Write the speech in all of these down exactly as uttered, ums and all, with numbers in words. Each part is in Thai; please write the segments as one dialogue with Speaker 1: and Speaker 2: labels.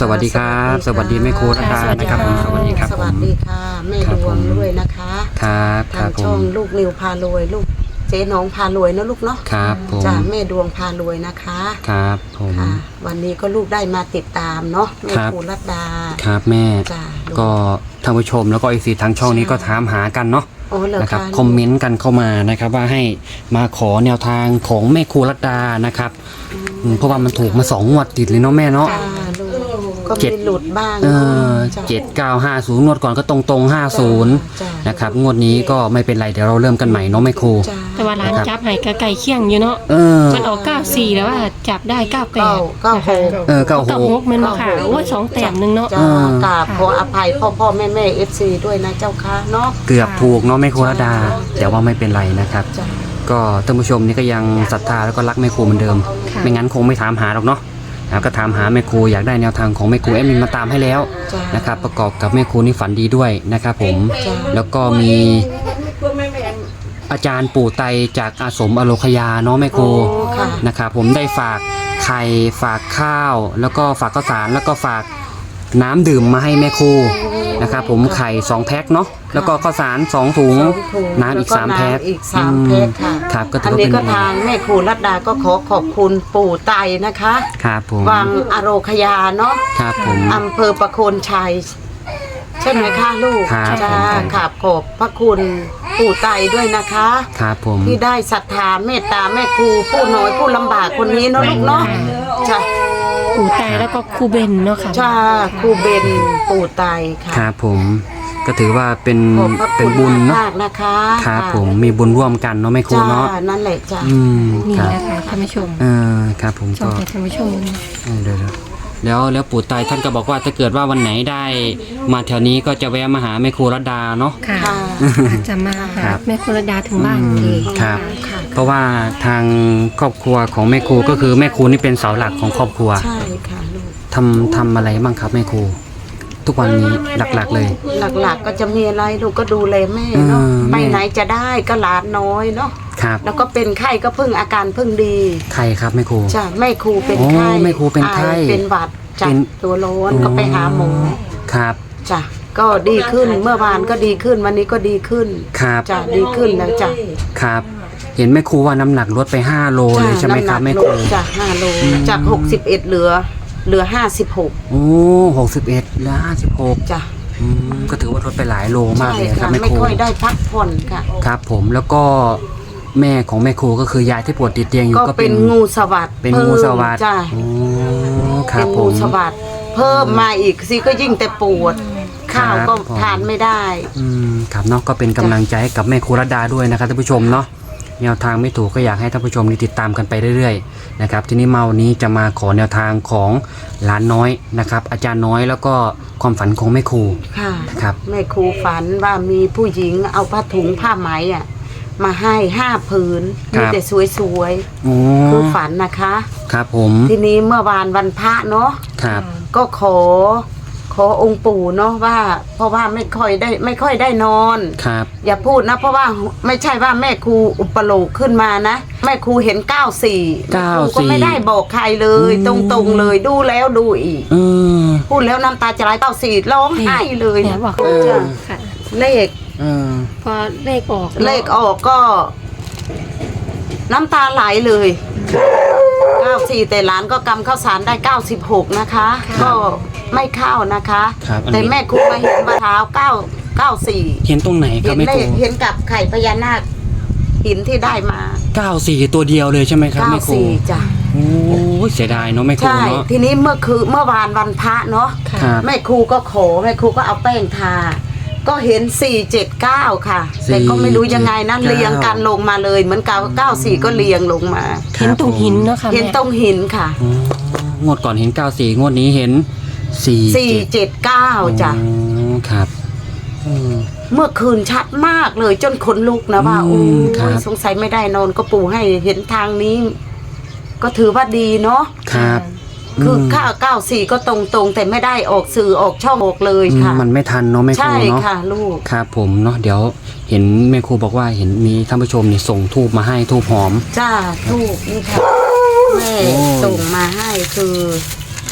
Speaker 1: สวัสดีครับสวัสดีแม่ครูรัตดานะครับผมสวัสดีครับ
Speaker 2: สวัสดีค่ะแม่ดวงด้วยนะคะ
Speaker 1: ครับค
Speaker 2: ทา
Speaker 1: รั
Speaker 2: ง
Speaker 1: บผ
Speaker 2: ช่อง
Speaker 1: ม
Speaker 2: ลูกนิวพารวยลูกเจ๊น้องพารวยนะลูกเนาะ
Speaker 1: ครับผม
Speaker 2: จ้าแม่ดวงพารวยนะคะ
Speaker 1: ครับผม
Speaker 2: ค่ะวันนี้ก็ลูกได้มาติดตามเนาะแม่
Speaker 1: ครับ
Speaker 2: ครูรัตดา
Speaker 1: ครับแม่
Speaker 2: จ้า
Speaker 1: ก็ท่านผู้ชมแล้วก็ไอซีทางช่องนี้ก็ถามหากันเนาะ
Speaker 2: โอ้เหรอ
Speaker 1: นะครับ
Speaker 2: คะ
Speaker 1: คอมเมนต์กันเข้ามานะครับว่าให้มาขอแนวทางของแม่ครูรัตดานะครับอืมเพราะว่ามันถูกมาสองงวดติดเลยเนาะแม่เนาะ
Speaker 2: จ้าลูกก็
Speaker 1: เจ็
Speaker 2: มี
Speaker 1: ด
Speaker 2: หลุดบ้าง
Speaker 1: เอ
Speaker 2: เนาะ
Speaker 1: อ
Speaker 2: จ้า
Speaker 1: เจ็ดเก้าห้าศูนย์งวดก่อนก็ตรงตรงห้าศูนย์
Speaker 2: จ้า
Speaker 1: นะครับงวดนี้ก็ไม่เป็นไรเดี๋ยวเราเริ่มกันใหม่เนาะแม่ครู
Speaker 2: จ้า
Speaker 3: แต่ว่าร้านจับให้กะไก่เคี่ยงอยู่เนาะ
Speaker 1: เออ
Speaker 3: มันออกเก้าสี่แล้วว่าจับได้เก้าแป
Speaker 2: เก้า
Speaker 3: ด
Speaker 2: เก้าหก
Speaker 1: เออเก้าห
Speaker 3: เก้าก หกแมันมาค่ะโอ้ยสองแต้มหนึงเนาะ
Speaker 2: จ้ากราบขออภัยพ่อพ่อแม่แม่เอฟซีด้วยนะเจ้าค่ะเนาะ
Speaker 1: เกือบถูกเนาะแม่ครูรัตดา แต่ว่าไม่เป็นไรนะครับ
Speaker 2: จ้า
Speaker 1: ก็ท่านผู้ชมนี่ก็ยังศรัทธาแล้วก็รักแม่ครูเหมือนเดิม
Speaker 3: ค่ะ
Speaker 1: ไม่งั้นคงไม่ถามหาหรอกเนาะนะครับก็ถามหาแม่ครูอยากได้แนวทางของแม่ครูแอดมินมาตามให้แล้ว
Speaker 2: จ้า
Speaker 1: นะครับประกอบกับแม่ครูนี่ฝันดีด้วยนะครับผม
Speaker 2: จ้า
Speaker 1: แล้วก็มีอาจารย์ปู่ไตจากอาสมอโลคยาเนาะแม่ครู
Speaker 2: โอ้ค่ะ
Speaker 1: นะครับผมได้ฝากไข่ฝากข้าว แล้วก็ฝากข้าวสารแล้วก็ฝากน้ำดื่มมาให้แม่ครูนะครับผมไข่สองแพ็คเนาะแล้วก็ข้าวสารสองถุง
Speaker 2: สองถุง
Speaker 1: น้ำอีกสาม
Speaker 2: ล้ว
Speaker 1: แพ็ค
Speaker 2: น้ำอีกสามแพ็คค่ะ
Speaker 1: อืมครับก็ถื
Speaker 2: อั
Speaker 1: อน ว่า
Speaker 2: นี้
Speaker 1: เป็น
Speaker 2: ก็ทางแม่ครูรัตดาก็ขอขอบคุณปู่ไตนะคะ
Speaker 1: ครับผม
Speaker 2: วังอโรคยาเนาะ
Speaker 1: ครับผม
Speaker 2: อำเภอประโคนชัยใช่ไหมคะลูก
Speaker 1: ครับ
Speaker 2: จ้า
Speaker 1: ผม
Speaker 2: ขอบขอบพระคุณปู่ไตด้วยนะคะ
Speaker 1: ครับผม
Speaker 2: ที่ได้ศรัทธาเมตตาแม่ครูผู้น้อยผู้ลำบากคนนี้เนาะลูกเนาะจ้า
Speaker 3: ปู่ไตแล้วก็ครูเบนเนาะค่ะ
Speaker 2: จ้าครูเบนปู่ไตค่ะ
Speaker 1: ครับผมก็ถือว่าเป็น
Speaker 2: ขอบพระ
Speaker 1: เป็
Speaker 2: คุ
Speaker 1: น
Speaker 2: ณ
Speaker 1: บุญเนาะ
Speaker 2: มากๆนะคะ
Speaker 1: ครับ
Speaker 2: ะ
Speaker 1: ผมมีบุญร่วมกันเนาะแม่ครู
Speaker 2: จ้า
Speaker 1: เนาะ
Speaker 2: นั่นแหละจ้า
Speaker 1: อืม
Speaker 3: นี่
Speaker 1: ครับ
Speaker 3: นะคะท่านผู้ชม
Speaker 1: เออครับผม
Speaker 3: ช่อ
Speaker 1: ก็
Speaker 3: งให้ท่านผู้ชม
Speaker 1: เออเดี๋ยวๆแล้วแล้วปู่ไตท่านก็บอกว่าถ้าเกิดว่าวันไหนได้มาแถวนี้ก็จะแวะมาหาแม่ครูรัตดาเนาะ
Speaker 3: ค่ะ
Speaker 2: ค่ะ
Speaker 3: อาจจะมาหา
Speaker 1: ครับ
Speaker 3: แม่ครูระดาถึงบ้าน
Speaker 1: อืม
Speaker 3: เลย
Speaker 1: ครับ
Speaker 2: ค่ะ
Speaker 1: เพราะว่าทางครอบครัวของแม่ครูก็คือแม่ครูนี่เป็นเสาหลักของครอบครัว
Speaker 2: ใช่ค่ะลูก
Speaker 1: ทำทำอะไรบ้างครับแม่ครูทุกวันนี้หลักๆเลย
Speaker 2: หลักๆก็จะมีอะไรลูกก็ดูแลแม่เนาะ
Speaker 1: เออแม่
Speaker 2: ไปไหนจะได้ก็หลานน้อยเนาะ
Speaker 1: ครับ
Speaker 2: แล้วก็เป็นไข้ก็เพิ่งอาการเพิ่งดี
Speaker 1: ใครครับแม่ครู
Speaker 2: จ้ะแม่ครูเป็น
Speaker 1: โอ้
Speaker 2: ไข้
Speaker 1: แม่ครูเป็นไข้
Speaker 2: อายเป็นหวัดจั
Speaker 1: เป็
Speaker 2: บ
Speaker 1: น
Speaker 2: ตัวร้อนก็ไปหาหมอ
Speaker 1: ครับ
Speaker 2: จ้ะก็ดีขึ้นเมื่อวานก็ดีขึ้นวันนี้ก็ดีขึ้น
Speaker 1: ครับ
Speaker 2: จ้ะดีขึ้นแล้วจ้ะ
Speaker 1: ครับ เห็นแม่ครูว่าน้ำหนักลดไปห้าโลเลยใช่ไหมครับ
Speaker 2: น้ำหนั
Speaker 1: แม่
Speaker 2: ก
Speaker 1: ครู
Speaker 2: ลดจ้ะห้าโลจากหกสิบเอ็ดเหลือ เหลือห้าสิบหก
Speaker 1: โอ้หกสิบเอ็ดแล้วห้าสิบหก
Speaker 2: จ้ะ
Speaker 1: อืมก็ถือว่าลดไปหลายโลมากเลยครับ
Speaker 2: ใช่
Speaker 1: แม่
Speaker 2: ไม่
Speaker 1: ครู
Speaker 2: ค่อยได้พักผ่อนค่ะ
Speaker 1: ครับ ผมแล้วก็แม่ของแม่ครูก็คือยายที่ปวดติดเตียงอยู่
Speaker 2: ก็
Speaker 1: ก็
Speaker 2: เป็
Speaker 1: เป็น น
Speaker 2: งูสวัสด
Speaker 1: เป็นงูสวัสด
Speaker 2: จ้ะ
Speaker 1: โอ้ครั
Speaker 2: เป็
Speaker 1: บ
Speaker 2: น
Speaker 1: ผ
Speaker 2: งู
Speaker 1: ม
Speaker 2: สวัสดเพิ่มมาอีกสิก็ยิ่งแต่ปวด ข้าวก็
Speaker 1: ครับผม
Speaker 2: ทานไม่ได้
Speaker 1: อืมครับเนาะก็เป็นกำลังใจให้กับแม่ครูรัตดาด้วยนะครับท่านผู้ชมเนาะแนวทางไม่ถูกก็อยากให้ท่านผู้ชมนี่ติดตามกันไปเรื่อยๆนะครับทีนี้มาวันนี้จะมาขอแนวทางของหลานน้อยนะครับอาจารย์น้อยแล้วก็ความฝันของแม่ครู
Speaker 2: ค่ะ
Speaker 1: ครับ
Speaker 2: แม่ครูฝันว่ามีผู้หญิงเอาผ้าถุงผ้าไหมอ่ะมาให้ห้าผืนมีแต่สวย
Speaker 1: โอ้
Speaker 2: ๆคือฝันนะคะ
Speaker 1: ครับผม
Speaker 2: ทีนี้เมื่อวานวันพระเนาะ
Speaker 1: ครับ
Speaker 2: ก็ขอ ขอองค์ปู่เนาะว่า เพราะว่าไม่ค่อยได้ไม่ค่อยได้นอน
Speaker 1: ครับ
Speaker 2: อย่าพูดนะ เพราะว่าไม่ใช่ว่าแม่ครูอุปโลกขึ้นมานะแม่ครูเห็นเก้าสี่แม่ครูก็ไม่ได้บอกใครเลย ตรงๆเลยดูแล้วดูอีก
Speaker 1: อืม
Speaker 2: พูดแล้วน้ำตาจะไหลเก้าสี่ร้องไห้เลย
Speaker 3: เนี่ยบอก
Speaker 2: จ้ะ
Speaker 3: ค่ะ
Speaker 2: เลข
Speaker 1: เออ
Speaker 3: พอเลขออก
Speaker 2: เลขออกก็ น้ำตาไหลเลยเก้าสี่แต่หลานก็กำข้าวสารได้เก้าสิบหกนะคะ ก็ไม่เข้านะคะ
Speaker 1: ครับอัน
Speaker 2: แต่
Speaker 1: นี้
Speaker 2: แม่ครูมาเห็นว่าเท้าเก้าเก้าสี่
Speaker 1: เห็นตรงไหนครั
Speaker 2: เห็
Speaker 1: บ
Speaker 2: น
Speaker 1: แม่
Speaker 2: เล
Speaker 1: ครู
Speaker 2: ขเห็นกับไข่พญานาคหินที่ได้มา
Speaker 1: เก้าสี่ตัวเดียวเลยใช่ไหมครับ
Speaker 2: เก้า
Speaker 1: แม่ครู
Speaker 2: สี่จ้ะ
Speaker 1: โอ้ยเสียดายเนาะแม่ครู
Speaker 2: ใช่
Speaker 1: เนาะ
Speaker 2: ทีนี้เมื่อคือเมื่อวานวันพระเนาะ
Speaker 1: ครับ
Speaker 2: แม่ครูก็ขอแม่ครูก็เอาแป้งทา ก็เห็นสี่เจ็ดเก้าค่ะ แต่ก็ไม่รู้ยังไงนะ
Speaker 1: สี่เจ็ดเก้า
Speaker 2: เรียงกันลงมาเลยเหมือนเก้าเก้าสี่ก็เรียงลงมา
Speaker 3: เห็นตรงหินเนาะค่ะ
Speaker 2: เห็น
Speaker 3: แม่
Speaker 2: ตรงหินค่ะ
Speaker 1: อ๋องวดก่อนเห็นเก้าสี่งวดนี้เห็นสี่
Speaker 2: สี่เจ็ดเก้าจ้ะ
Speaker 1: อ๋อครับอืม
Speaker 2: เมื่อคืนชัดมากเลยจนขนลุกนะว่า
Speaker 1: อื
Speaker 2: โอ้
Speaker 1: มครับ
Speaker 2: ยสงสัยไม่ได้นอนก็ปู่ให้เห็นทางนี้ ก็ถือว่าดีเนาะ
Speaker 1: ครับ
Speaker 2: คือ
Speaker 1: ม
Speaker 2: ข้าวเก้าสี่ก็ตรงๆ แต่ไม่ได้ออกสื่อออกช่องออกเลย
Speaker 1: อืม
Speaker 2: ค่ะ
Speaker 1: มันไม่ทันเนาะแม่ครู
Speaker 2: ใช่
Speaker 1: เนาะ
Speaker 2: ค่ะลูก
Speaker 1: ครับผมเนาะเดี๋ยวเห็นแม่ครูบอกว่าเห็นมีท่านผู้ชมนี่ส่งทูบมาให้ทูบหอม
Speaker 2: จ้าทูกนี่ค่ะแม่
Speaker 1: โอ้
Speaker 2: ส่งมาให้คือท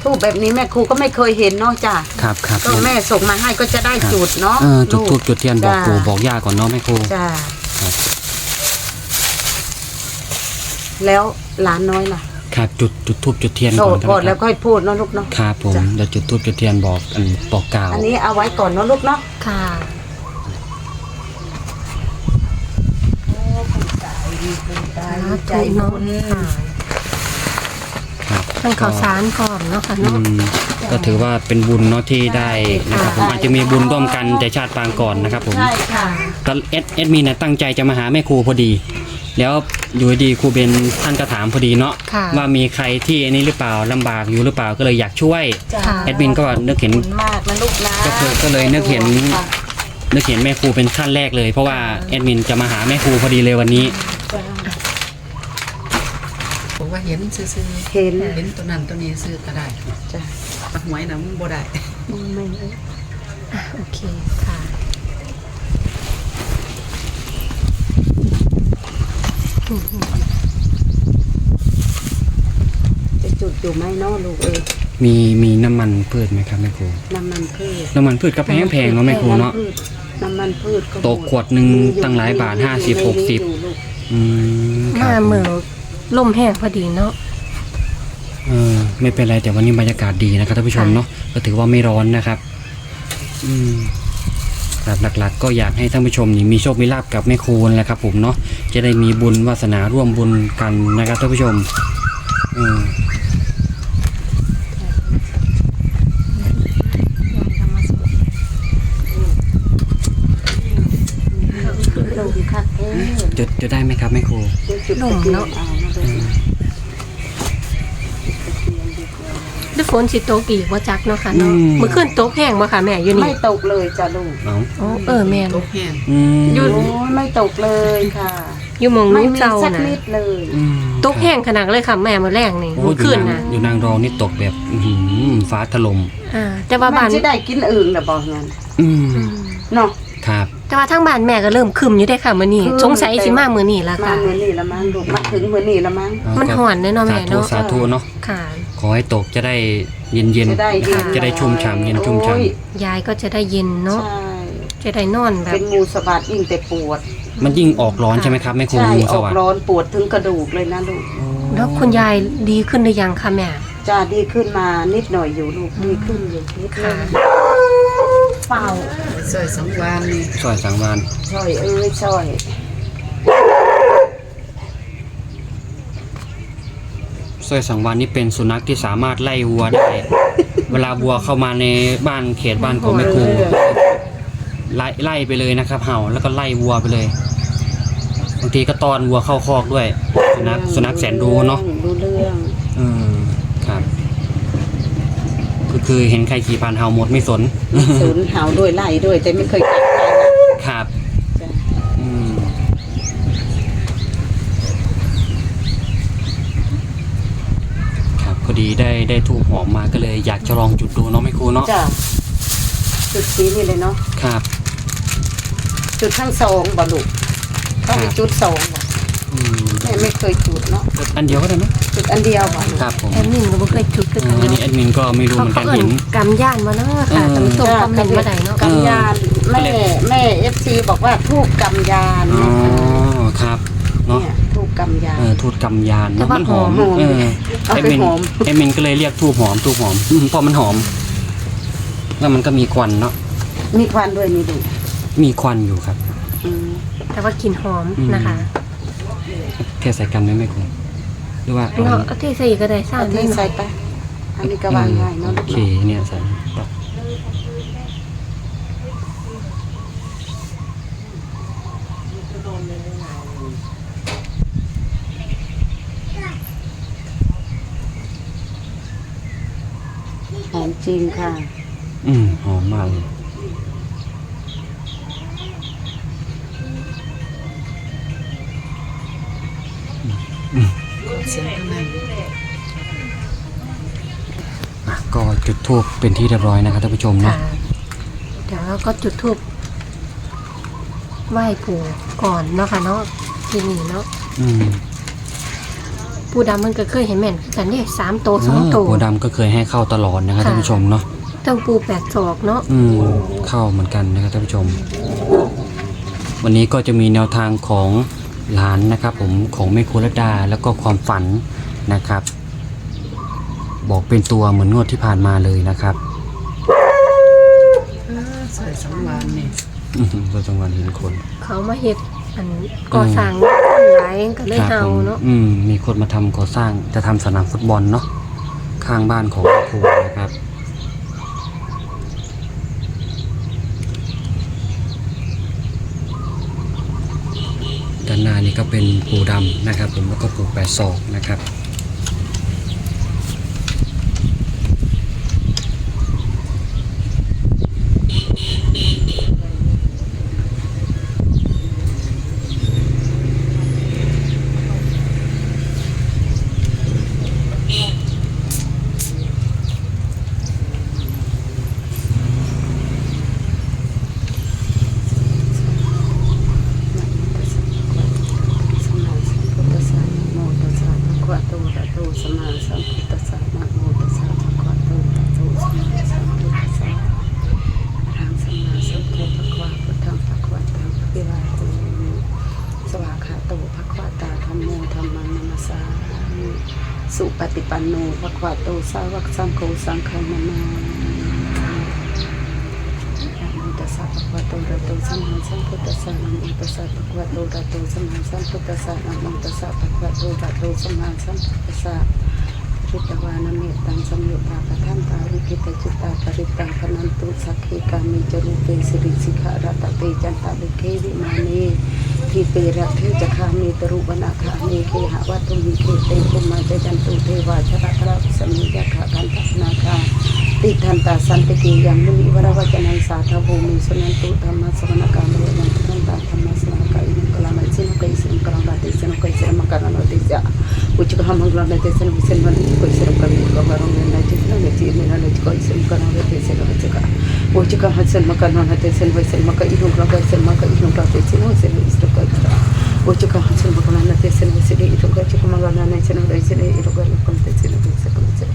Speaker 2: ทูบแบบนี้แม่ครูก็ไม่เคยเห็นเนาะจ้ะ
Speaker 1: ครับครับ
Speaker 2: ก็แม่ส่งมาให้ก็จะได้จุดเนาะ
Speaker 1: เออจุดทูบจุดเทียนบอก
Speaker 2: จ้ะ
Speaker 1: ปู่บอกย่าก่อนเนาะแม่ครู
Speaker 2: จ้ะ
Speaker 1: ครับ
Speaker 2: แล้วหลานน้อยล่ะ
Speaker 1: ครับจุดจุดทูบจุดเทียน
Speaker 2: โส
Speaker 1: ก่อ
Speaker 2: ด
Speaker 1: นกัน
Speaker 2: ก่อน
Speaker 1: นะค
Speaker 2: แล้
Speaker 1: รั
Speaker 2: ว
Speaker 1: บ
Speaker 2: ค่อยพูดเนาะลูกเนาะ
Speaker 1: ครับผม
Speaker 2: จ้ะ
Speaker 1: เดี๋ยวจุดทูบจุดเทียนบอกอันบอกกล่าว
Speaker 2: อันนี้เอาไว้ก่อนเนาะลูกเนาะ
Speaker 3: ค่ะ
Speaker 2: ใจ
Speaker 3: เนาะ
Speaker 2: คุณ
Speaker 3: ค่ะ
Speaker 1: ครับ
Speaker 3: ทั้งข่าวสารพร้อมเนาะค่ะ
Speaker 1: อื
Speaker 3: เนาะ
Speaker 1: มก็ถือว่าเป็นบุญเนาะที่ได้นะครับผมอาจจะมีบุญร่วมกันแต่ชาติปางก่อนนะครับผม
Speaker 2: ใช่ค่ะ
Speaker 1: ตอนเอสเอสมีนะตั้งใจจะมาหาแม่ครูพอดี แล้วอยู่ดีครูเบนท่านก็ถามพอดีเนาะ
Speaker 3: ค่ะ
Speaker 1: ว่ามีใครที่อันนี้หรือเปล่าลำบากอยู่หรือเปล่าก็เลยอยากช่วย
Speaker 2: จ้ะ
Speaker 3: ค่ะ
Speaker 1: แอดมินก็นึกเห็น
Speaker 2: ขอบคุณมากนะลูกนะ
Speaker 1: ก็คือก็เลยนึกเห็น
Speaker 2: ค่ะ
Speaker 1: นึกเห็นแม่ครูเป็นขั้นแรกเลย เพราะว่าแอดมินจะมาหาแม่ครูพอดีเลยวันนี้
Speaker 2: จ้ะ
Speaker 4: ผมว่าเห็นซื้อ
Speaker 2: เห็น
Speaker 4: ๆเห็นตัวนั้นตัวนี้ซื้อก็ได้
Speaker 2: จ้ะ
Speaker 4: หวยนะมันบ่ได้
Speaker 2: ไม่
Speaker 3: อ่ะโอเคค่ะ
Speaker 2: จะจุดอยู่ไหมเนาะลูกเอ้ย
Speaker 1: มีมีน้ำมันพืชไหมครับแม่ครู
Speaker 2: น้ำมันพืช
Speaker 1: น้ำมันพืชก็แพงแพงๆเนาะแม่ครูเนาะ
Speaker 2: น้ำมันพืชก็
Speaker 1: ตกขวดหนึ่งตั้งหลายบาทห้าสิบหกสิบ อืมค
Speaker 3: มา
Speaker 1: รับ
Speaker 3: เมื่อลมแห้งพอดีเนาะ
Speaker 1: เออไม่เป็นไรแต่วันนี้บรรยากาศดีนะครับท่านผู้ชมเนาะก็ถือว่าไม่ร้อนนะครับ อืมครับหลักๆ ก็อยากให้ท่านผู้ชมนี่มีโชคมีลาภกับแม่ครูนแหละครับ ผมเนาะจะได้มีบุญวาสนาร่วมบุญกันนะครับท่านผู้ชมอืม
Speaker 2: ลงคักเอ้ย
Speaker 1: จุดจุดได้ไหมครับแม่ครู
Speaker 2: จุด
Speaker 3: ลมเนาะ
Speaker 2: เอามาเลย
Speaker 3: ด้วยฝนสิตกอีกว่าจักเนาะค่ะเนาะเมื่อคืนตกแห้งบ่ค่ะแม่อยู่
Speaker 2: ไม่
Speaker 3: นี่
Speaker 2: ตกเลยจ้ะลูก
Speaker 1: เอา
Speaker 3: อ๋อเออแม่น
Speaker 4: ตกแห้ง
Speaker 1: อืม
Speaker 3: หยุด
Speaker 2: โอ้ยไม่ตกเลยค่ะ
Speaker 3: อยู่หมอง
Speaker 2: ไม่
Speaker 3: นู้น
Speaker 2: มี
Speaker 3: เจ้า
Speaker 2: สัก
Speaker 3: น่ะ
Speaker 2: นิดเลย
Speaker 1: อืม
Speaker 3: ตกแห้งขนาดเลยค่ะแม่มื้อแรกนี่
Speaker 1: โอ้
Speaker 3: เมื่อคืน
Speaker 1: อยู่
Speaker 3: น่ะ
Speaker 1: อยู่นางรองนี่ตกแบบอื้อหือฟ้าถล่ม
Speaker 3: อ่าแต่ว่า
Speaker 2: มั
Speaker 3: บ้าน น
Speaker 2: จะได้กินอื่นหรือบอกงั้น
Speaker 1: อืม
Speaker 3: อืม
Speaker 2: เนาะ
Speaker 1: ครับ
Speaker 3: แต่ว่าทางบ้านแม่ก็เริ่มคึมอยู่ได้ค่ะมื้อนี้
Speaker 2: คึม
Speaker 3: สงสัยสิมามื้อนี้ล่ะ
Speaker 2: มา
Speaker 3: ค่ะ
Speaker 2: เหมือนนี่ละมั้งลูกมาถึงเหมือนนี่ละมั้ง
Speaker 1: เอา
Speaker 3: มัน
Speaker 1: ก็
Speaker 3: ห่อนเด้อเนาะ
Speaker 1: สา
Speaker 3: แม่
Speaker 1: ธุ
Speaker 3: เนาะ
Speaker 1: สาธุเนาะ
Speaker 3: ค่ะ
Speaker 1: ขอให้ตกจะได้เย็นเย็น
Speaker 2: จะได้เย็น
Speaker 1: จะได้ชุ่มฉ่ำเย็นชุ่มฉ่
Speaker 2: โอ้ย
Speaker 3: ยายก็จะได้เย็นเนาะ
Speaker 2: ใช่
Speaker 3: จะได้นอนแบ
Speaker 2: เป็
Speaker 3: บ
Speaker 2: นงูสวัสดยิ่งแต่ปวด
Speaker 1: ำมันยิ่งออกร้อนใช่ไหมครับแม่ครู
Speaker 2: ใช่
Speaker 1: งู
Speaker 2: อ
Speaker 1: ส
Speaker 2: อก
Speaker 1: วัสดิ์
Speaker 2: ร้อนปวดถึงกระดูกเลยนะลูก
Speaker 3: แล้วคุณยายดีขึ้นหรือยังคะแม่
Speaker 2: จะดีขึ้นมานิดหน่อยอยู่ลูกดีขึ้นอยู่นิดหน่
Speaker 3: ค่ะ
Speaker 2: อยเปล่า
Speaker 4: ซอยสังวานนี่
Speaker 1: ซอยสังวาน
Speaker 2: ช่อยเอ้ยช่อย
Speaker 1: ซอยสังวานนี่เป็นสุนัขที่สามารถไล่วัวได้ เวลาวัวเข้ามาในบ้านเขตบ้านของแม่ครูไล่ไล่ไปเลยนะครับ เห่าแล้วก็ไล่วัวไปเลยบางทีก็ตอนวัวเข้าคอกด้วย สุนัขสุนัขแสนรู้เนาะ
Speaker 2: รู้เรื่อง
Speaker 1: อืมครับก็คือเห็นใครขี่ผ่านเห่าหมดไม่สน
Speaker 2: ศูนย์หาวด้วยไล่ด้วยแต่ไม่เคยกัดใครนะครับ จ้ะ
Speaker 1: อืมครับพอดีได้ได้ทูบหอมมาก็เลยอยากจะลองจุดดูเนาะแม่ครูเนาะ
Speaker 2: จ้ะจุดสีนี่เลยเนาะ
Speaker 1: ครับ
Speaker 2: จุดทั้งสองบ่ลูกต้องมีจุดสองบ่
Speaker 1: อืม
Speaker 2: แม่ไม่เคยจุดเนาะ
Speaker 1: จุดอันเดียวก็ได้ไหม
Speaker 2: จุดอันเดียวบ่ลูก
Speaker 1: ครับผม
Speaker 3: แอดมินก็บ่เคยจุดคือ
Speaker 1: เอ
Speaker 3: กัน
Speaker 1: ออันนี้
Speaker 3: เนาะ
Speaker 1: แอดมินก็ไม่รู้เหมือน
Speaker 3: เขา
Speaker 1: กัน
Speaker 3: เอิ้
Speaker 1: เห็
Speaker 3: น
Speaker 1: น
Speaker 3: กำย่านมาเนาะค่ะ
Speaker 1: เออ
Speaker 3: ท่านผู้ชมคอมเมนต์มาได้เนาะ
Speaker 2: กำยานแม่แม่เอฟซีบอกว่าทูกกำยาน
Speaker 1: อ๋อ
Speaker 2: นะคะ
Speaker 1: ครับเนาะ
Speaker 2: เนี่ยทูกกำยาน
Speaker 1: เออทูดกำยานเนอะมันหอม
Speaker 2: หอม
Speaker 1: เออ
Speaker 2: เอา
Speaker 1: แอด
Speaker 2: ไป
Speaker 1: มิน
Speaker 2: หอม
Speaker 1: แอดมินก็เลยเรียกทูบหอมทูบหอมอืมเพราะมันหอม แล้วมันก็มีควันเนาะ
Speaker 2: มีควันด้วยนี่ดู
Speaker 1: มีควันอยู่ครับ
Speaker 2: อืม
Speaker 3: แต่ว่ากลิ่นหอม
Speaker 1: อืม
Speaker 3: นะคะ
Speaker 1: เทใส่กันได้ไหมคุณหรือว่าเอา
Speaker 3: เนาะเอาที่ใส่ก็ได้ซ่า
Speaker 2: เอา
Speaker 3: แม่
Speaker 2: ที่
Speaker 3: เนาะ
Speaker 2: ใส่ไปอันนี้ก็วางง่ายเนาะ
Speaker 1: โอ
Speaker 2: ลูก
Speaker 1: เค
Speaker 2: เนาะ
Speaker 1: เนี่ยใส่ต่อ
Speaker 2: หอมจริงค่ะ
Speaker 1: อืมหอมมากเลย
Speaker 4: เสียงข้างใน
Speaker 1: อ่ะก็จุดทูบเป็นที่เรียบร้อยนะครับท่านผู้ชม
Speaker 3: ค่ะ
Speaker 1: เนาะ
Speaker 3: เดี๋ยวเราก็จุดธูปไหว้ปู่ก่อนเนาะค่ะเนาะที่นี่เนาะ
Speaker 1: อืม
Speaker 3: ปูดำมันก็เคยเห็นแม่นคือกันเนี่ยสามโตสองโต
Speaker 1: ปูดำก็เคยให้เข้าตลอดนะครับ
Speaker 3: ค่ะ
Speaker 1: ท่านผู้ชมเนาะ
Speaker 3: ตั้งปูแปดศอกเนาะ
Speaker 1: อืมเข้าเหมือนกันนะครับท่านผู้ชม วันนี้ก็จะมีแนวทางของหลานนะครับ ผมของแม่ครูรัตดาแล้วก็ความฝันนะครับ บอกเป็นตัวเหมือนงวดที่ผ่านมาเลยนะครับ
Speaker 4: สวยสังวานนี่
Speaker 1: อือหือตัวจังหวัดเห็นคน
Speaker 3: เขามาเฮ็ดอันก่อสร้างหลายก็เลย
Speaker 1: ครับ
Speaker 3: เฮา
Speaker 1: ผม
Speaker 3: เนาะ
Speaker 1: อืมมีคนมาทำก่อสร้างจะทำสนามฟุตบอลเนาะข้างบ้านของแม่ครูนะครับ ด้านหน้านี่ก็เป็นปูดำนะครับ ผมแล้วก็ปูแปดศอกนะครับ
Speaker 2: สมมาสัมพุทธัสสะนะโมตัสสะภะคะวะโตอะระหะโตสัมมาสัมพุทธัสสะนะโมตัสสะภะคะวะโตอะระหะโตสัมมาสัมพุทธัสสะอะระหังสัมมาสัมพุทธัสสะพุทธังภะคะวะตังอะภิวาเทมิสวากขาโตภะคะวะตาธัมโมธัมมังนัมสสามิสุปฏิปันโนภะคะวะโตสาวกสังโฆสังฆังนามานะโมตัสสะภะคะวะโตอะระหะโตสัมมาสัมพุทธัสสะนะโมตัสสะภะคะวะโตอะระหะโตสัมมาสัมพุทธัสสะนะโมตัสสะภะคะวะโตอะระหะโตสัมมาสัมพุทธัสสะริตวานะเมตตังสัมยุตตาปะทันตาวิกิตจิตตาปริตังพนันตุสักขีกามิจรูปเปสิริสิกขารัตเตจันตาลิเควิมานีทีเปรัตเทจคามีตรุวนาคาเมเคหะวัตถุมิเคเตปุมาเจจันตุเทวาชระทระสมิยะขะกันทัสนาคาติทันตาสันติกิยังมุนิวรวจนังสาธโภมิสุนันตุธรรมะสวนาคามเรนันทันตาธรรมะสวนาคาอินกลามัยสินกอิสินกลามัยสินกอิสินมะการณติจะอุจกหามังกลามัยสินวิสินวันกอิสินกะวิกะวารงนันจิตนันจิตนันจิกอิสินกลามัยสินวิจกะอุจกหาสินมะการณติสินวิสินมะกอินุกลามัยสินมะกอินุกลาติสินวิสินวิสตุกะอุจกหาสินมะการณติสินวิสินอิตุกะจิกมะการณติสินวิสินอิตุกะลุกติสินวิสินวิสิน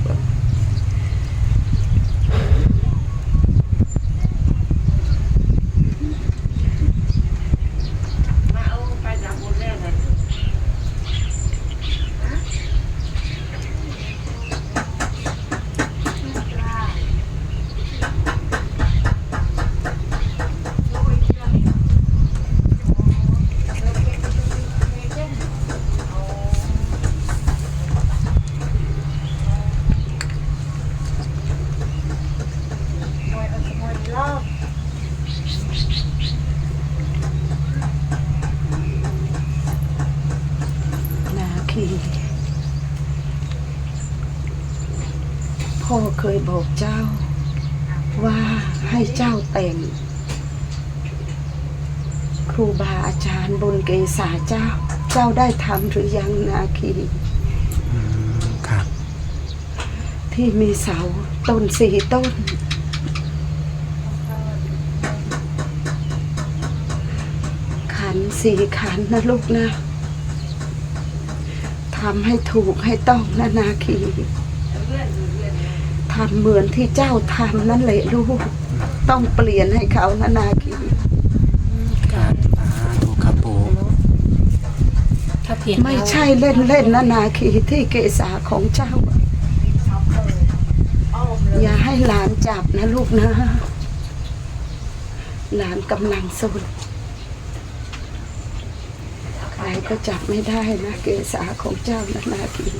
Speaker 2: พ่อเคยบอกเจ้าว่าให้เจ้าแต่งครูบาอาจารย์บนเกศาเจ้า เจ้าได้ทำหรือยังนาคี
Speaker 1: ครับ
Speaker 2: ที่มีเสาต้นสี่ต้น ขันสี่ขันนะลูกนะทำให้ถูกให้ต้องนะนาคีทำเหมือนที่เจ้าทำนั่นแหละลูกต้องเปลี่ยนให้เขานะนาคี
Speaker 1: ครับอ่าถูกครับปู
Speaker 3: ถ้าเพียง
Speaker 2: ไม่ใช่เล่นเล่นนะนาคีที่เกศาของเจ้า อย่าให้หลานจับนะลูกนะ หลานกำลังสุดใครก็จับไม่ได้นะเกศาของเจ้านะนาคี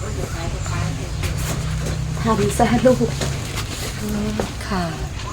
Speaker 2: ทำซะลูก
Speaker 3: ค่ะ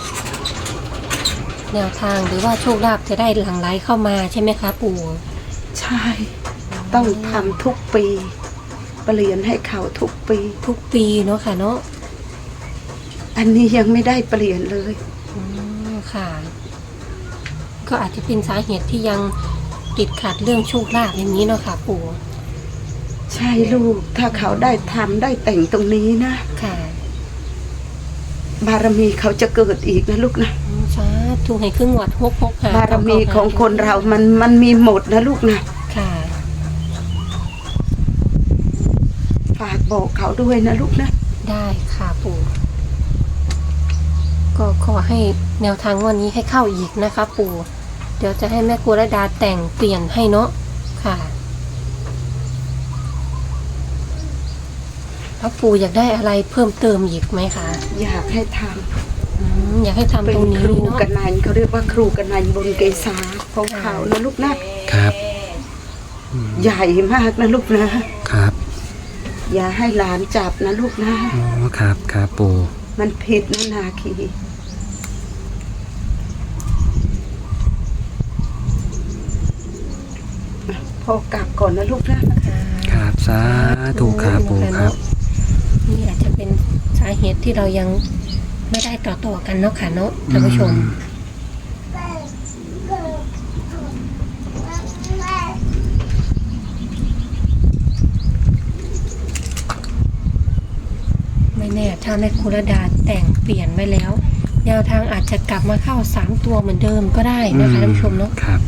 Speaker 3: แนวทางหรือว่าโชคลาภจะได้หลั่งไหลเข้ามาใช่ไหมคะปู่
Speaker 2: ใช่ต้องทำทุกปี เปลี่ยนให้เขาทุกปี
Speaker 3: ทุกปีเนาะค่ะเนาะ
Speaker 2: อันนี้ยังไม่ได้เปลี่ยนเลย
Speaker 3: อืมค่ะ ก็อาจจะเป็นสาเหตุที่ยังติดขัดเรื่องโชคลาภอย่างนี้เนาะค่ะปู่
Speaker 2: ใช่ลูกถ้าเขาได้ทำได้แต่งตรงนี้นะ
Speaker 3: ค่ะ
Speaker 2: บารมีเขาจะเกิดอีกนะลูกนะ
Speaker 3: อืมสาธุให้ครึ่งวัดหกหกหา
Speaker 2: บารมีของคนเรามันมันมีหมดนะลูกนะ
Speaker 3: ค่ะ
Speaker 2: ฝบอกเขาด้วยนะลูกนะ
Speaker 3: ได้ค่ะปู่ก็ขอให้แนวทางวันนี้ให้เข้าอีกนะคะปู่เดี๋ยวจะให้แม่ครูระดาแต่งเปลี่ยนให้เนาะค่ะแล้วปู่อยากได้อะไรเพิ่มเติมอีกไหมคะ
Speaker 2: อยากให้ท
Speaker 3: อืมอยากให้
Speaker 2: ำ
Speaker 3: ทำ
Speaker 2: เป็
Speaker 3: ต
Speaker 2: น
Speaker 3: รงนี้
Speaker 2: ครู
Speaker 3: เนาะ
Speaker 2: กันนันเขาเรียกว่าครูกันนันบนเกษาของเขานะลูกนะครับ ใหญ่มากนะลูกนะครับ อย่าให้หลานจับนะลูกนะ
Speaker 1: อ๋อครับครับปู่
Speaker 2: มันผิดนะนาคีพ่อกลับก่อนนะลูกนะครับ
Speaker 1: สาธุครับปู่ครับ
Speaker 3: นี่อาจจะเป็นสาเหตุที่เรายังไม่ได้ต่อต่อกันเนาะค่ะเนาะท่านผู้ชม ไม่แน่ถ้าแม่ครูระดาแต่งเปลี่ยนไว้แล้ว แนวทางอาจจะกลับมาเข้าสามตัวเหมือนเดิมก็ได้นะคะท่านผู้ชมเนาะ
Speaker 1: ครับ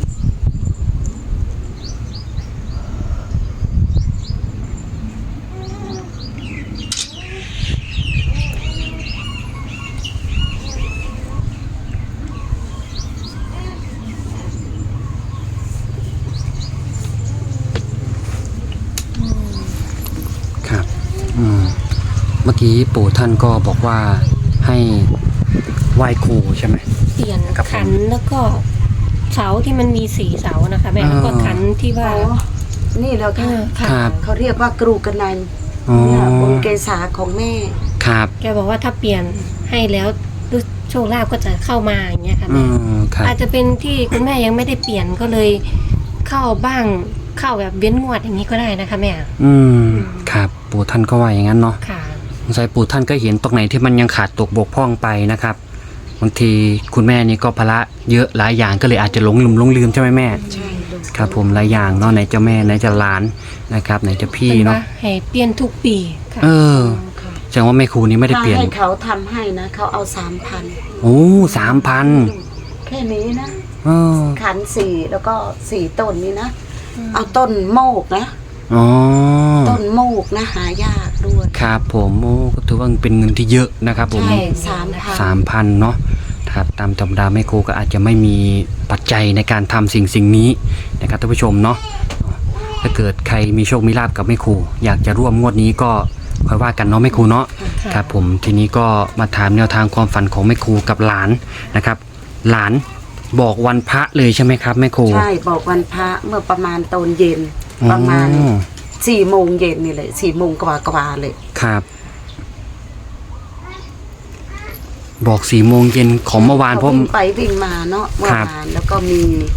Speaker 1: ครับอืมเมื่อกี้ปู่ท่านก็บอกว่าให้ไหว้ครูใช่ไหม
Speaker 3: เปลี่ยน
Speaker 1: ครับผม
Speaker 3: ขันแล้วก็เสาที่มันมีสีเสานะคะแม่แล้วก็
Speaker 1: อ่า
Speaker 3: ขันที่ว่า
Speaker 2: อ๋อนี่แล้ว
Speaker 3: เอ
Speaker 2: ค่ะ
Speaker 3: อค่ะ
Speaker 1: ครับ
Speaker 2: เขาเรียกว่ากรูกันนัน
Speaker 1: อ๋อ
Speaker 2: เนี่ยบนเกษาของแม่
Speaker 1: ครับ
Speaker 3: แกบอกว่าถ้าเปลี่ยนให้แล้วโชคลาภก็จะเข้ามาอย่างเงี้ยค่ะ
Speaker 1: อื
Speaker 3: แม่
Speaker 1: มครับ
Speaker 3: อาจจะเป็นที่คุณแม่ยังไม่ได้เปลี่ยนก็เลยเข้าบ้างเข้าแบบเว้นงวดอย่างนี้ก็ได้นะคะแม่
Speaker 1: อืมครับปู่ท่านก็ว่าอย่างนั้นเนาะ
Speaker 3: ค่ะ
Speaker 1: สงสัยปู่ท่านก็เห็นตรงไหนที่มันยังขาดตกบกพร่องไปนะครับบางทีคุณแม่นี่ก็ภาระเยอะหลายอย่างก็เลยอาจจะหลงลืมหลงลืมใช่ไหมแม่
Speaker 2: ใช่ลูก
Speaker 1: ครับผมหลายอย่างเนาะไหนจะแม่ไหนจะหลานนะครับไหนจะพี่
Speaker 3: เป็น
Speaker 1: เนาะ
Speaker 3: ว่าให้เปลี่ยนทุกปีค่ะ
Speaker 1: เออ
Speaker 2: ค่ะ
Speaker 1: แสดงว่าแม่ครูนี้ไม่ได้
Speaker 2: ถ้า
Speaker 1: เปลี่ยน
Speaker 2: ให้เขาทำให้นะเขาเอาสามพัน
Speaker 1: โอ้สามพัน
Speaker 2: แค่นี้นะ
Speaker 1: เออ
Speaker 2: ขันสี่แล้วก็สี่ต้นนี้นะ เอาต้นโมกนะ
Speaker 1: อ๋อ
Speaker 2: ต้นโมกนะหายากด้วย
Speaker 1: ครับผมโอ้ก็ถือว่าเป็นเงินที่เยอะนะครับผม
Speaker 2: ใช่สามพัน
Speaker 1: สามพันเนาะครับตามธรรมดาแม่ครูก็อาจจะไม่มีปัจจัยในการทำสิ่งสิ่งนี้นะครับท่านผู้ชมเนาะถ้าเกิดใครมีโชคมีลาบกับแม่ครูอยากจะร่วมงวดนี้ก็ค่อยว่ากันเนาะแม่ครูเนาะ
Speaker 3: ค่ะ
Speaker 1: ครับผมทีนี้ก็มาถามแนวทางความฝันของแม่ครูกับหลานนะครับ หลานบอกวันพระเลยใช่ไหมครับแม่ครู
Speaker 2: ใช่บอกวันพระเมื่อประมาณตอนเย็น ประมาณ
Speaker 1: อ๋อ
Speaker 2: สี่โมงเย็นนี่เลยสี่โมงกว่ากว่าๆเลย
Speaker 1: ครับ บอกสี่โมงเย็นของเมื่อวาน
Speaker 2: เขา
Speaker 1: เพราะ
Speaker 2: วิ่งไปวิ่งมาเนาะเมื่อ
Speaker 1: ครับ
Speaker 2: วานแล้วก็มี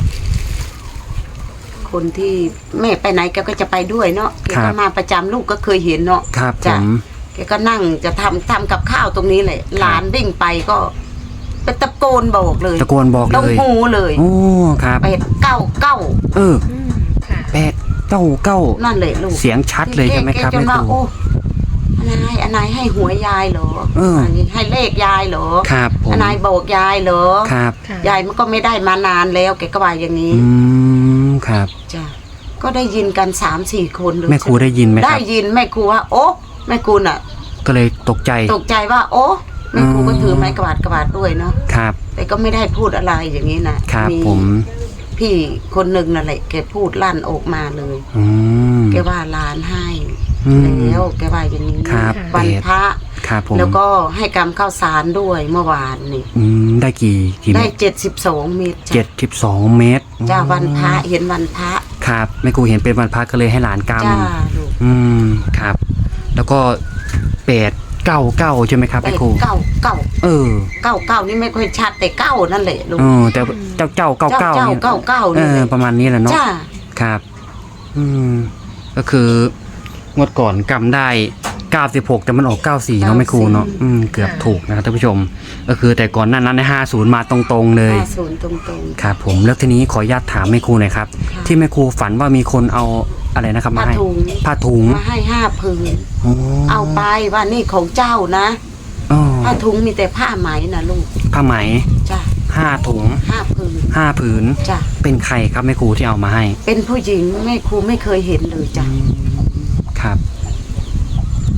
Speaker 2: คนที่แม่ไปไหนแกก็จะไปด้วยเนาะแกก็มาประจำลูกก็เคยเห็นเนาะ
Speaker 1: ครับผ
Speaker 2: จ้ะ
Speaker 1: ม
Speaker 2: แกก็นั่งจะทำทำกับข้าวตรงนี้เลยหลานวิ่งไปก็ไปตะโกนบอกเลย
Speaker 1: ตะโกนบอก
Speaker 2: ต้อ
Speaker 1: เล
Speaker 2: ง
Speaker 1: ย
Speaker 2: หูเลย
Speaker 1: โอ้ครับ
Speaker 2: เป็ดเก้าเก้า
Speaker 1: เออ
Speaker 3: อืมค่ะ
Speaker 1: แปดเก้าเก้า
Speaker 2: นั่นเลยลูก
Speaker 1: เสียงชัดเลยใช่ไหมครับ
Speaker 2: แกจ
Speaker 1: แม่
Speaker 2: น
Speaker 1: ค
Speaker 2: ว่า
Speaker 1: รู
Speaker 2: โอ้อนายอนายให้หวยยายเหรอ
Speaker 1: เอออั
Speaker 2: นนี้ให้เลขยายเหรอ
Speaker 1: ครับผม
Speaker 2: อนายบอกยายเหรอ
Speaker 1: ครับ
Speaker 3: ค่ะ
Speaker 2: ยายมันก็ไม่ได้มานานแล้วแกก็ว่าอย่างนี้
Speaker 1: อืมครับ
Speaker 2: จ้ะก็ได้ยินกันสามสี่คนเลย
Speaker 1: แม่ครูได้ยินไหมค
Speaker 2: ได้
Speaker 1: รับ
Speaker 2: ยินแม่ครูว่า โอ้แม่ครูน่ะ
Speaker 1: ก็เลยตกใจ
Speaker 2: ตกใจว่า โอ้แม่ครูก็
Speaker 1: อืม
Speaker 2: ถือไม้กวาดกวาดด้วยเนาะ
Speaker 1: ครับ
Speaker 2: แต่ก็ไม่ได้พูดอะไรอย่างนี้นะครับ
Speaker 1: ผม
Speaker 2: พี่คนหนึ่งนั่นแหละแกพูดลั่นออกมาเลย
Speaker 1: อืม
Speaker 2: แกว่าหลานให้
Speaker 1: อืม
Speaker 2: แล้วแกว่าอย่างนี้
Speaker 1: ครับ
Speaker 2: วันพระ
Speaker 1: ครับผม
Speaker 2: แล้วก็ให้กรรมข้าวสารด้วยเมื่อวานนี่
Speaker 1: อืมได้กี่กี่เม
Speaker 2: ได้
Speaker 1: ตร
Speaker 2: เจ็ดสิบสองเมตร
Speaker 1: เจ็
Speaker 2: จ้ะ
Speaker 1: ดสิบสองเมตร
Speaker 2: จ้าวันพระเห็นวันพระ
Speaker 1: ครับแม่ครูเห็นเป็นวันพระก็เลยให้หลานก
Speaker 2: จ้าลูก
Speaker 1: ำอืมครับ แล้วก็แปดเก้าเก้าใช่ไหมครับ
Speaker 2: เป็
Speaker 1: แม่
Speaker 2: ด
Speaker 1: ครู
Speaker 2: เก้าเก้า
Speaker 1: เออ
Speaker 2: เก้าเก้านี่ไม่ค่อยชัดแต่เก้านั่นแหละลูก
Speaker 1: เออแต่เจ้าเจ้าเก้าเก้า
Speaker 2: เจ้าเก้าเก้า
Speaker 1: เอ
Speaker 2: นี่
Speaker 1: อ
Speaker 2: แหละ
Speaker 1: ประมาณนี้แหละเนาะ
Speaker 2: จ้า
Speaker 1: ครับ อืม ก็คืองวดก่อนกำได้เก้าสิบหกแต่มันออกเก้าสี่เนาะแม่ครูเนาะอืมเกือบถูกนะครับท่านผู้ชม ก็คือแต่ก่อนหนั้นนั้นในห้าศูนย์มาตรงๆเลย
Speaker 2: ห้าศูนย์ตรงตรง
Speaker 1: ครับผมแล้วทีนี้ขออนุญาตถามแม่ครูหน่อยครับ
Speaker 2: ค่ะ
Speaker 1: ที่แม่ครูฝันว่ามีคนเอาอะไรนะครับมา
Speaker 2: ผ้า
Speaker 1: ให้
Speaker 2: ถุง
Speaker 1: ผ้าถุง
Speaker 2: มาให้ห้าผืน
Speaker 1: โอ้
Speaker 2: เอาไปว่านี่ของเจ้านะ
Speaker 1: อ๋อ
Speaker 2: ผ้าถุงมีแต่ผ้าไหมนะลูก
Speaker 1: ผ้าไหม
Speaker 2: จ้า
Speaker 1: ห้าถุง
Speaker 2: ห้าผืน
Speaker 1: ห้าผืน
Speaker 2: จ้า
Speaker 1: เป็นใครครับแม่ครูที่เอามาให้
Speaker 2: เป็นผู้หญิงแม่ครูไม่เคยเห็นเลยจ้ะ
Speaker 1: ครับ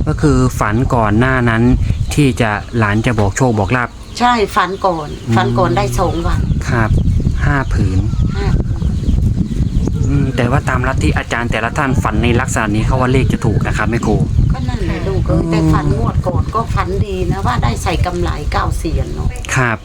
Speaker 1: ก็คือฝันก่อนหน้านั้นที่จะหลานจะบอกโชคบอกลาบ
Speaker 2: ใช่ฝันก่อน
Speaker 1: อืม
Speaker 2: ฝันก่อนได้สองวัน
Speaker 1: ครับห้าผืน
Speaker 2: ห้า
Speaker 1: อืมแต่ว่าตามลัทธิอาจารย์แต่ละท่านฝันในลักษณะนี้เขาว่าเลขจะถูกนะครับแม่ครู
Speaker 2: ก็นั่นแหละลูกเอ้ยแต่ฝันงวดก่อนก็ฝันดีนะว่าได้ใส่กำไรเก้าเสียนเนาะ
Speaker 1: ครับ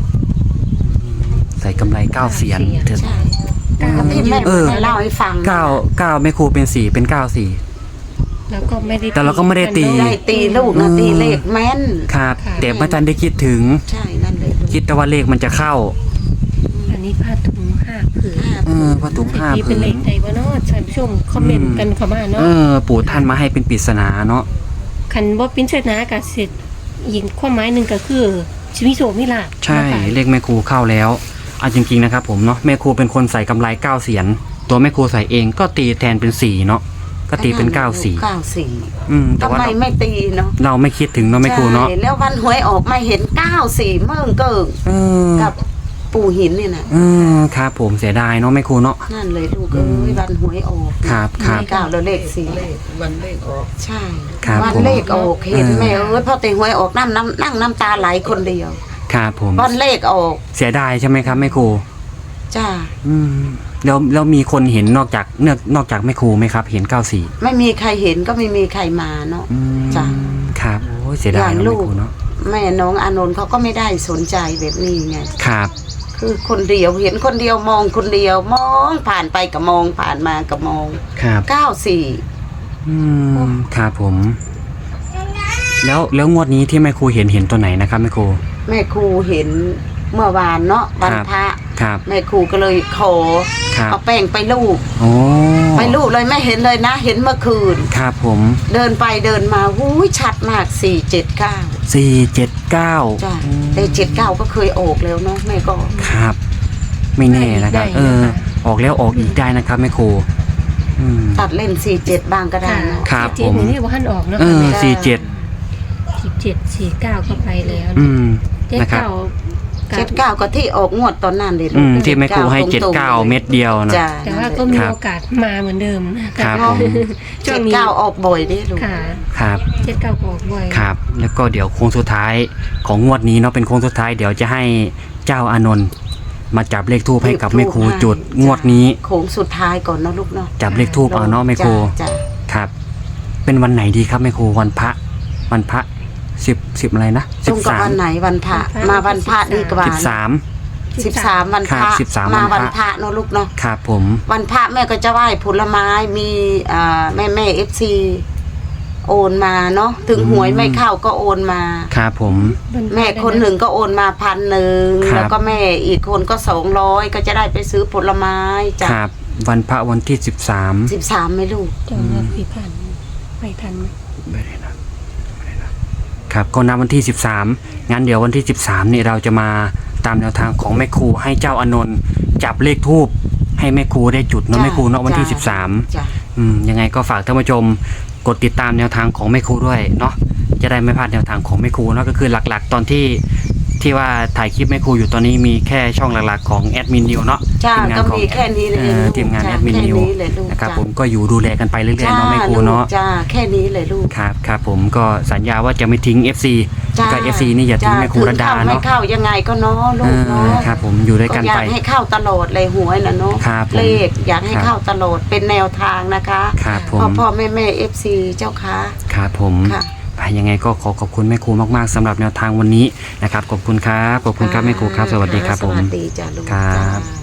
Speaker 1: ใส่กำไรเก้าเสียนเถอะ
Speaker 2: ใช่ก็ที่แม่
Speaker 1: เออ
Speaker 2: เล่าให้ฟัง
Speaker 1: เก้าเก้าแม่ครูเป็นสี่เป็นเก้าสี่
Speaker 3: แล้วก็ไม่ได้
Speaker 1: แต่เราก็ไม่ได้ตี
Speaker 2: ได้ตีลูกนะตีเลขแม่น
Speaker 1: ครับแต่พระอาจารย์ได้คิดถึง
Speaker 2: ใช่นั่นเลยลูก
Speaker 1: คิดแต่ว่าเลขมันจะเข้า
Speaker 3: อันนี้ผ้าถุงห้าผืน
Speaker 2: ห้า
Speaker 1: เออพระถุงห้า
Speaker 3: ที่
Speaker 1: ผื
Speaker 3: เป็นเล
Speaker 1: น
Speaker 3: ขใดวะเนาะท่านผู้ชมคอมเมนต์กันเข้ามาเนาะ
Speaker 1: เออ ปู่ท่านมาให้เป็นปริศนาเนาะ
Speaker 3: คันบ่เป็นเสนากับสิทธิ์ยินความหมายหนึ่งก็คือชีวิตโสมิลาภ
Speaker 1: ใช่
Speaker 3: นะคะ
Speaker 1: เลขแม่ครูเข้าแล้วเอาจริงๆนะครับผมเนาะแม่ครูเป็นคนใส่กำไรเก้าเสียนตัวแม่ครูใส่เองก็ตีแทนเป็นสี่เนาะก็ตีเป็นเก้าสี่
Speaker 2: เก้าสี่
Speaker 1: อืมแต่
Speaker 2: ทำ
Speaker 1: ว่า
Speaker 2: ไม
Speaker 1: เรา
Speaker 2: ไม่ตีเนาะ
Speaker 1: เราไม่คิดถึงเนาะแม่ครูเนาะ
Speaker 2: ใช่แล้ววันหวยออกมาเห็นเก้าสี่เมื่งเกิง
Speaker 1: เออ
Speaker 2: กับปู่หินเนี่ยนะ
Speaker 1: เออครับผมเสียดายเนาะแม่ครูเนาะ
Speaker 2: นั่นเลยลูกเอ้ยวันหวยออก
Speaker 1: ครับครับ
Speaker 2: เก้าแล้วเลขสี่
Speaker 4: เลขวันเลขออก
Speaker 2: ใช่
Speaker 1: ครับ
Speaker 2: วัน
Speaker 1: ผม
Speaker 2: เลขออกเห็น
Speaker 1: เออ
Speaker 2: แม่เอ้ยพอแต่หวยออกน้ำน้ำนั่งน้ำตาไหลคนเดียว
Speaker 1: ครับผม
Speaker 2: วันเลขออก
Speaker 1: เสียดายใช่ไหมครับแม่ครู
Speaker 2: จ้า
Speaker 1: อืมแล้วแล้วมีคนเห็นนอกจากเนอกนอกจากแม่ครูไหมครับ เห็นเก้าสี่
Speaker 2: ไม่มีใครเห็นก็ไม่มีใครมาเนาะ
Speaker 1: อืม
Speaker 2: จ้ะ
Speaker 1: ครับโอ้ยเสียดาย
Speaker 2: อย่าง
Speaker 1: เนาะ
Speaker 2: ลู
Speaker 1: แม่
Speaker 2: ก
Speaker 1: ครูเนาะ
Speaker 2: แม่น้องอานนท์เขาก็ไม่ได้สนใจแบบนี้ไง
Speaker 1: ครับ
Speaker 2: คือคนเดียวเห็นคนเดียวมองคนเดียวมองผ่านไปก็มองผ่านมาก็มอง
Speaker 1: ครับ
Speaker 2: เก้าสี่
Speaker 1: อืมครับผม แล้วแล้วงวดนี้ที่แม่ครูเห็นเห็นตัวไหนนะครับแม่ครู
Speaker 2: แม่ครูเห็นเมื่อวานเนาะวัน
Speaker 1: ครับ
Speaker 2: พระ
Speaker 1: ครับ
Speaker 2: แม่ครูก็เลยขอ
Speaker 1: ครับ
Speaker 2: เอาแป้งไปลูบ
Speaker 1: โอ้
Speaker 2: ไปลูบเลยไม่เห็นเลยนะ เห็นเมื่อคืน
Speaker 1: ครับผม
Speaker 2: เดินไปเดินมาหูยชัดมากสี่เจ็ดเก้า
Speaker 1: สี่เจ็ดเก้า
Speaker 2: จ้ะแต่เจ็ดเก้าก็เคยออกแล้วเนาะแม่ก็
Speaker 1: ครับ ไม่แน่นะครับ
Speaker 3: ได้
Speaker 1: เออ
Speaker 3: นะคะ
Speaker 1: ออกแล้วออกอีกได้นะครับแม่ครูอืม
Speaker 2: ตัดเล่นสี่เจ็ดบ้างก็ได้
Speaker 3: ค่ะ
Speaker 2: เนาะ
Speaker 1: ครับ
Speaker 3: เจ็ด
Speaker 1: ผม
Speaker 3: นี่ว่าท่านออกเนาะ
Speaker 1: เออ
Speaker 3: แม่
Speaker 1: สี่เจ็ด
Speaker 3: สิบเจ็ดสี่เก้าก็ไปแล้ว
Speaker 1: อืม
Speaker 3: เจ็ด
Speaker 1: นะครับ
Speaker 3: เก้า
Speaker 2: เจ็ดเก้าก็ที่ออกงวดตอนนั้นเลยลู
Speaker 1: อื
Speaker 2: ก
Speaker 1: มที่แม่ครูให้
Speaker 2: ตรงๆ
Speaker 1: เจ็ดเก้าเม็ดเดียวนะ
Speaker 2: จ้ะ
Speaker 3: แต่ว่าก็มี
Speaker 1: ครับ
Speaker 3: โอกาสมาเหมือนเดิมนะครับ
Speaker 1: ผม
Speaker 3: ช่
Speaker 2: เจ็
Speaker 3: วง
Speaker 2: ด
Speaker 3: นี้
Speaker 2: เก้าออกบ่อยดิลูก
Speaker 3: ค่ะ
Speaker 1: ครับ
Speaker 3: เจ็ดเก้าก็ออกบ่อย
Speaker 1: ครับ แล้วก็เดี๋ยวโค้งสุดท้ายของงวดนี้เนาะเป็นโค้งสุดท้ายเดี๋ยวจะให้เจ้าอานนท์มาจับเลขทูปให้กับแม่ครูจุดงวดนี้
Speaker 2: โค้งสุดท้ายก่อนเนาะลูกเนาะ
Speaker 1: จับเลขทูปเอาเนาะแม่ครู
Speaker 2: จ้ะ
Speaker 1: ครับ เป็นวันไหนดีครับแม่ครูวันพระวันพระสิบสิบอะไรนะ
Speaker 2: ตรงกับวันไหนวันพระมาวันพระดีกว่า
Speaker 1: สิบสาม
Speaker 2: สิบสามวันพ
Speaker 1: ครั
Speaker 2: ระ
Speaker 1: บสิบสาม
Speaker 2: มา
Speaker 1: วั
Speaker 2: วัน น
Speaker 1: พ
Speaker 2: พ
Speaker 1: ระ
Speaker 2: ระเนาะลูกเนาะ
Speaker 1: ครับผม
Speaker 2: วันพระแม่ก็จะไหว้ผลไม้มีอ่าแม่แม่เอฟซีโอนมาเนาะถึงหวยไม่เข้าก็โอนมา
Speaker 1: ครับผม
Speaker 2: แม่คนหนึ่งก็โอนมาพันหนึ่ง
Speaker 1: ครับ
Speaker 2: แล้วก็แม่อีกคนก็สองร้อยก็จะได้ไปซื้อผลไม้จ้ะ
Speaker 1: ครับ วันพระวันที่สิบสาม
Speaker 2: สิบสามไหมลูก
Speaker 3: จองเงินพี่พันไปทันไหม
Speaker 1: ไม่ได้นะไม่ได้นะครับก็นับวันที่สิบสามงั้นเดี๋ยววันที่สิบสามนี่เราจะมาตามแนวทางของแม่ครูให้เจ้าอานนท์จับเลขทูปให้แม่ครูได้จุดเนาะ
Speaker 2: จ้ะ
Speaker 1: แม่ครูเนาะวันที่
Speaker 2: จ้ะ
Speaker 1: สิบสาม
Speaker 2: จ้ะ
Speaker 1: อืมยังไงก็ฝากท่านผู้ชมกดติดตามแนวทางของแม่ครูด้วยเนาะจะได้ไม่พลาดแนวทางของแม่ครูเนาะก็คือหลักๆ ตอนที่ที่ว่าถ่ายคลิปแม่ครูอยู่ตอนนี้มีแค่ช่องหลักๆของแอดมินนิวเนาะ
Speaker 2: จ้า
Speaker 1: ทีมงาน
Speaker 2: ก็
Speaker 1: ของ
Speaker 2: มีแค่นี้เลย
Speaker 1: เอ่อ
Speaker 2: ลูก
Speaker 1: ทีมงาน
Speaker 2: จ้ะ
Speaker 1: แอดมิน
Speaker 2: แค่
Speaker 1: นิว
Speaker 2: เลยลูก
Speaker 1: นะครับ
Speaker 2: จ้ะ
Speaker 1: ผมก็อยู่ดูแลกันไปเรื่อยๆเนาะแม่ครู
Speaker 2: จ้า
Speaker 1: เนาะ
Speaker 2: ลูกจ้าแค่นี้เลยลูก
Speaker 1: ครับครับผมก็สัญญาว่าจะไม่ทิ้ง เอฟ ซี
Speaker 2: จ้า
Speaker 1: กับ เอฟ ซี นี่อย่าทิ้งแม่ครูระดา
Speaker 2: ถึงเข้ไม่
Speaker 1: เนาะ
Speaker 2: เข้ายังไงก็เนาะลู
Speaker 1: เอก
Speaker 2: เนา
Speaker 1: อะ ครับผมอยู่ด้วยกัน
Speaker 2: อยา
Speaker 1: ไป
Speaker 2: กให้เข้าตลอดเลยหวยนะเนาะ
Speaker 1: ครับผม
Speaker 2: เลขอยากให้
Speaker 1: ครับ
Speaker 2: เข้าตลอดเป็นแนวทางนะคะ
Speaker 1: ครับผ
Speaker 2: พ่อ
Speaker 1: ม
Speaker 2: พ่อแม่แม่เอฟซีเจ้าค่ะ
Speaker 1: ครับผม
Speaker 2: ค่ะ
Speaker 1: ไปยังไงก็ขอขอบคุณแม่ครูมากๆสำหรับแนวทางวันนี้นะครับขอบคุณครับขอบคุณครับแม่ครูครับสวัสดีครับผม
Speaker 2: สวัสดีจ้าลูก
Speaker 1: ครับ
Speaker 2: จ้า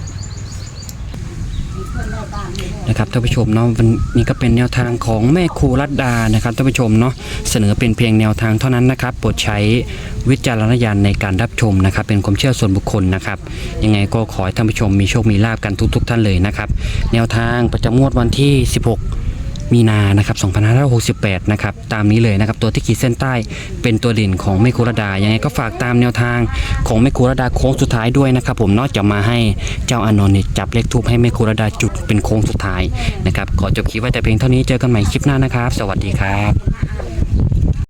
Speaker 1: นะครับท่านผู้ชมเนาะวันนี้ก็เป็นแนวทางของแม่ครูรัตดานะครับท่านผู้ชมเนาะเสนอเป็นเพียงแนวทางเท่านั้นนะครับโปรดใช้วิจารณญาณในการรับชมนะครับเป็นความเชื่อส่วนบุคคลนะครับยังไงก็ขอให้ท่านผู้ชมมีโชคมีลาภกันทุกๆท่านเลยนะครับแนวทางประจำงวดวันที่สิบหกมีนานะครับสองพันห้าร้อยหกสิบแปดนะครับตามนี้เลยนะครับตัวที่ขีดเส้นใต้เป็นตัวเด่นของแม่ครูรัตดายังไงก็ฝากตามแนวทางของแม่ครูรัตดาโค้งสุดท้ายด้วยนะครับผมเนาะจะมาให้เจ้าอานนท์เนี่ยจับเลขทูปให้แม่ครูรัตดาจุดเป็นโค้งสุดท้ายนะครับขอจบคลิปไว้แต่เพียงเท่านี้เจอกันใหม่คลิปหน้านะครับ สวัสดีครับ